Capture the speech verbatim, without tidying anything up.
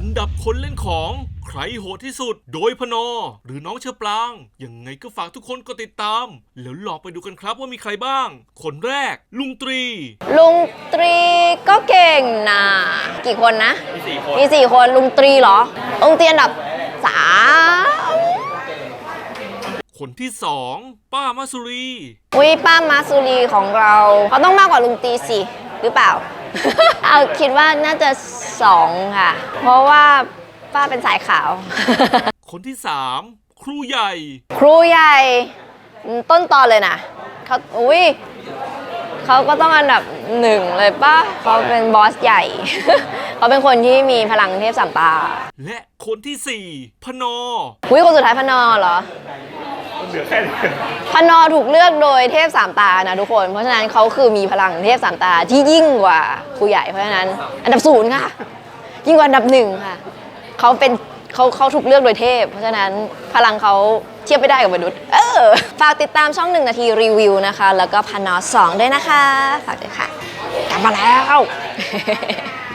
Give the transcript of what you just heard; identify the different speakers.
Speaker 1: อันดับคนเล่นของใครโหดที่สุดโดยพนอหรือน้องเชอปรางยังไงก็ฝากทุกคนกดติดตามแล้วลองไปดูกันครับว่ามีใครบ้างคนแรกลุงตรี
Speaker 2: ลุงตรีก็เก่งนะกี่คนนะมีสี่คนมีสี่คนลุงตรีเหรอลุงตรีอันดับสาม
Speaker 1: คนที่สองป้ามาสุรี
Speaker 2: อุ้ยป้ามาสุรีของเราเขาต้องมากกว่าลุงตรีสิหรือเปล่า เอาคิดว่าน่าจะสองค่ะเพราะว่าป้าเป็นสายขาว
Speaker 1: คนที่สามครูใหญ่
Speaker 2: ครูใหญ่ต้นตอนเลยนะเขาอุ้ยเขาก็ต้องอันดับหนึ่งเลยป่ะเขาเป็นบอสใหญ่ เขาเป็นคนที่มีพลังเทพสามตา
Speaker 1: และคนที่สี่พนอ
Speaker 2: อุ้ยคนสุดท้ายพนอเหรอ
Speaker 1: เหลือแค่นี้
Speaker 2: พนอถูกเลือกโดยเทพสามตานะทุกคนเพราะฉะนั้นเขาคือมีพลังเทพสามตาที่ยิ่งกว่าครูใหญ่เพราะฉะนั้นอันดับศูนย์ค่ะยิ่งกว่าอันดับหนึ่งค่ะเขาเป็นเขาเขาถูกเลือกโดยเทพเพราะฉะนั้นพลังเขาเทียบไม่ได้กับมนุษย์เออฝากติดตามช่องหนึ่งนาทีรีวิวนะคะแล้วก็พนอสองด้วยนะคะฝากด้วยค่ะกลับมาแล้ว